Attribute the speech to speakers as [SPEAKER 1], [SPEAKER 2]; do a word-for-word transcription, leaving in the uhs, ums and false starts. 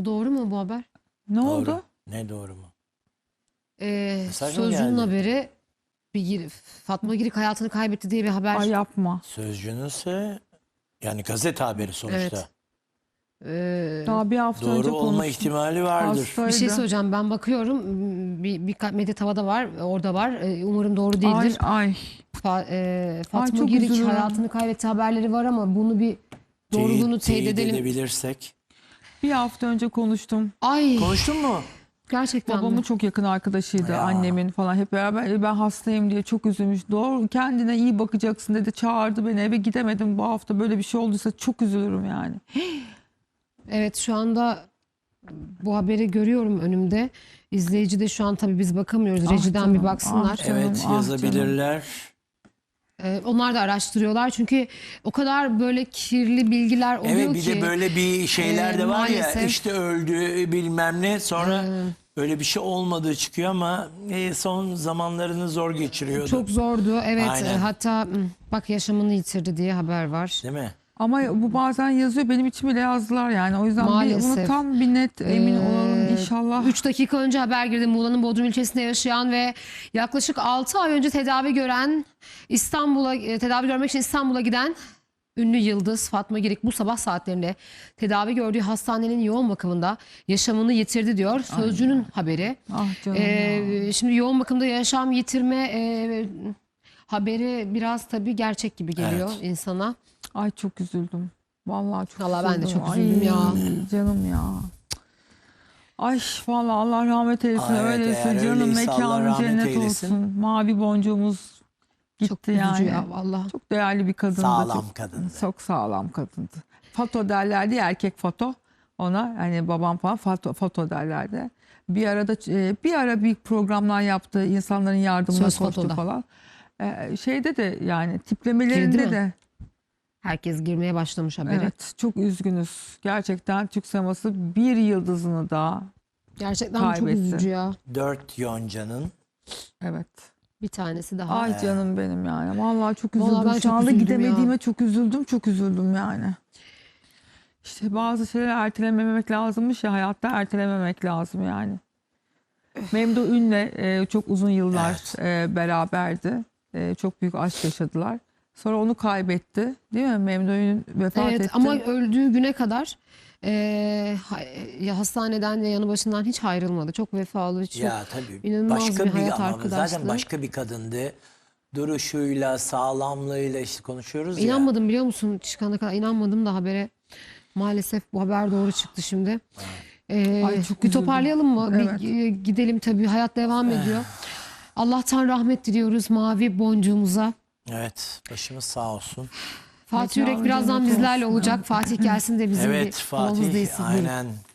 [SPEAKER 1] Bu doğru mu bu haber?
[SPEAKER 2] Ne
[SPEAKER 3] Doğru.
[SPEAKER 2] oldu?
[SPEAKER 3] Ne doğru mu?
[SPEAKER 1] Ee,
[SPEAKER 3] Mesaj mı
[SPEAKER 1] Sözcü'nün
[SPEAKER 3] geldi?
[SPEAKER 1] haberi, bir gir- Fatma Girik hayatını kaybetti diye bir haber.
[SPEAKER 2] Ay yapma.
[SPEAKER 3] Sözcününse yani gazete haberi sonuçta.
[SPEAKER 1] Evet. Ee,
[SPEAKER 2] Daha bir hafta önce
[SPEAKER 3] Doğru olma
[SPEAKER 2] konuştum.
[SPEAKER 3] ihtimali vardır.
[SPEAKER 2] Hastaydı.
[SPEAKER 1] bir şey söyleyeceğim. Ben bakıyorum. Bir, bir medya tavada var. Orada var. Ee, Umarım doğru
[SPEAKER 2] Ay
[SPEAKER 1] değildir.
[SPEAKER 2] ay.
[SPEAKER 1] Fa- e, Fatma
[SPEAKER 2] çok
[SPEAKER 1] Girik
[SPEAKER 2] üzülüyorum.
[SPEAKER 1] hayatını kaybetti haberleri var ama bunu bir doğruluğunu
[SPEAKER 3] Teyit,
[SPEAKER 1] teyit
[SPEAKER 3] teyit
[SPEAKER 1] edelim.
[SPEAKER 3] edebilirsek.
[SPEAKER 2] Bir hafta önce konuştum.
[SPEAKER 1] Ay
[SPEAKER 3] Konuştun mu?
[SPEAKER 1] gerçekten
[SPEAKER 2] Babamın
[SPEAKER 1] mi?
[SPEAKER 2] çok yakın arkadaşıydı,
[SPEAKER 3] Ya.
[SPEAKER 2] annemin falan hep beraber. Ben hastayım diye çok üzülmüş. Doğru, kendine iyi bakacaksın dedi. Çağırdı beni, eve gidemedim bu hafta. Böyle bir şey olduysa çok üzülürüm yani.
[SPEAKER 1] Evet, şu anda bu haberi görüyorum önümde. İzleyici de şu an tabii biz bakamıyoruz.
[SPEAKER 2] Ah
[SPEAKER 1] Rejiden
[SPEAKER 2] canım,
[SPEAKER 1] bir baksınlar.
[SPEAKER 2] ah canım.
[SPEAKER 3] Evet, yazabilirler.
[SPEAKER 1] Ee, onlar da araştırıyorlar. Çünkü o kadar böyle kirli bilgiler oluyor
[SPEAKER 3] Evet, bir
[SPEAKER 1] ki.
[SPEAKER 3] de böyle bir şeyler
[SPEAKER 1] e,
[SPEAKER 3] de var ya,
[SPEAKER 1] maalesef.
[SPEAKER 3] işte öldü bilmem ne, sonra öyle bir şey olmadığı çıkıyor ama e, son zamanlarını zor geçiriyordu.
[SPEAKER 1] Çok zordu. Evet,
[SPEAKER 3] Aynen.
[SPEAKER 1] e, hatta m, bak yaşamını yitirdi diye haber var.
[SPEAKER 3] Değil mi?
[SPEAKER 2] Ama bu bazen yazıyor, benim için bile yazdılar yani. O yüzden bir,
[SPEAKER 1] Maalesef.
[SPEAKER 2] bunu tam bir net emin
[SPEAKER 1] Ee,
[SPEAKER 2] olalım inşallah.
[SPEAKER 1] üç dakika önce haber girdi. Muğla'nın Bodrum ilçesinde yaşayan ve yaklaşık altı ay önce tedavi gören, İstanbul'a e, tedavi görmek için İstanbul'a giden ünlü yıldız Fatma Girik bu sabah saatlerinde tedavi gördüğü hastanenin yoğun bakımında yaşamını yitirdi diyor Sözcü'nün haberi.
[SPEAKER 2] Ah canım ya.
[SPEAKER 1] Ee, şimdi yoğun bakımda yaşam yitirme e, haberi biraz tabii gerçek gibi geliyor
[SPEAKER 3] Evet.
[SPEAKER 1] insana.
[SPEAKER 2] Ay çok üzüldüm. Vallahi çok
[SPEAKER 1] Vallahi ben de
[SPEAKER 2] üzüldüm.
[SPEAKER 1] çok üzüldüm ya.
[SPEAKER 2] Canım ya. Ay vallahi Allah rahmet eylesin.
[SPEAKER 3] Aa, evet,
[SPEAKER 2] Öyleyse
[SPEAKER 3] eğer
[SPEAKER 2] canım,
[SPEAKER 3] öyleyse Allah
[SPEAKER 2] mekanı
[SPEAKER 3] rahmet
[SPEAKER 2] cennet
[SPEAKER 3] eylesin.
[SPEAKER 2] olsun. Mavi boncuğumuz gitti
[SPEAKER 1] Çok üzücü
[SPEAKER 2] yani.
[SPEAKER 1] ya vallahi.
[SPEAKER 2] Çok değerli bir kadındı.
[SPEAKER 3] Sağlam
[SPEAKER 2] çok,
[SPEAKER 3] kadındı.
[SPEAKER 2] Çok sağlam kadındı. Foto derlerdi ya, erkek foto. Ona hani babam falan foto, foto derlerdi. Bir arada e, bir ara büyük programlar yaptı. İnsanların yardımına
[SPEAKER 1] Söz
[SPEAKER 2] koştu
[SPEAKER 1] fotoda.
[SPEAKER 2] falan. E, şeyde de yani
[SPEAKER 1] Girdi
[SPEAKER 2] tiplemelerinde
[SPEAKER 1] mi?
[SPEAKER 2] de.
[SPEAKER 1] Herkes girmeye başlamış haberi.
[SPEAKER 2] Evet, çok üzgünüz. Gerçekten Türk sineması bir yıldızını daha.
[SPEAKER 1] Gerçekten çok
[SPEAKER 2] Kaybetti.
[SPEAKER 1] üzücü ya.
[SPEAKER 3] Dört yoncanın.
[SPEAKER 2] Evet.
[SPEAKER 1] Bir tanesi daha.
[SPEAKER 2] Ay canım benim yani. Vallahi çok üzüldüm.
[SPEAKER 1] Vallahi ben
[SPEAKER 2] Şu
[SPEAKER 1] çok
[SPEAKER 2] anda
[SPEAKER 1] üzüldüm
[SPEAKER 2] gidemediğime
[SPEAKER 1] ya.
[SPEAKER 2] çok üzüldüm. Çok üzüldüm yani. İşte bazı şeyler ertelememek lazımmış ya, hayatta ertelememek lazım yani. Memduh Ün'le e, çok uzun yıllar e, beraberdi. E, çok büyük aşk yaşadılar. Sonra onu kaybetti. Değil mi? Memduh Ün vefat
[SPEAKER 1] Evet
[SPEAKER 2] etti.
[SPEAKER 1] ama öldüğü güne kadar e, ha- ya hastaneden ve yanı başından hiç ayrılmadı. Çok vefalı, çok
[SPEAKER 3] Ya tabii.
[SPEAKER 1] inanılmaz
[SPEAKER 3] Başka
[SPEAKER 1] bir
[SPEAKER 3] bir,
[SPEAKER 1] hayat
[SPEAKER 3] ama
[SPEAKER 1] arkadaşlığı.
[SPEAKER 3] zaten başka bir kadındı. Duruşuyla, sağlamlığıyla işte konuşuyoruz ya.
[SPEAKER 1] İnanmadım biliyor musun? Çıkana kadar inanmadım da habere. Maalesef bu haber doğru çıktı şimdi. Ee,
[SPEAKER 2] Ay, çok
[SPEAKER 1] bir
[SPEAKER 2] üzüldüm.
[SPEAKER 1] toparlayalım mı?
[SPEAKER 2] Evet.
[SPEAKER 1] Bir e, gidelim tabii. Hayat devam ediyor. Allah'tan rahmet diliyoruz mavi boncuğumuza.
[SPEAKER 3] Evet, başımız sağ olsun.
[SPEAKER 1] Fatih
[SPEAKER 2] Mekanı
[SPEAKER 1] Yürek birazdan
[SPEAKER 2] cennet
[SPEAKER 1] bizlerle
[SPEAKER 2] olsun.
[SPEAKER 1] olacak. Fatih gelsin de bizim
[SPEAKER 3] Evet,
[SPEAKER 1] bir havamız
[SPEAKER 3] Fatih
[SPEAKER 1] değilsin. Buyurun.
[SPEAKER 3] aynen.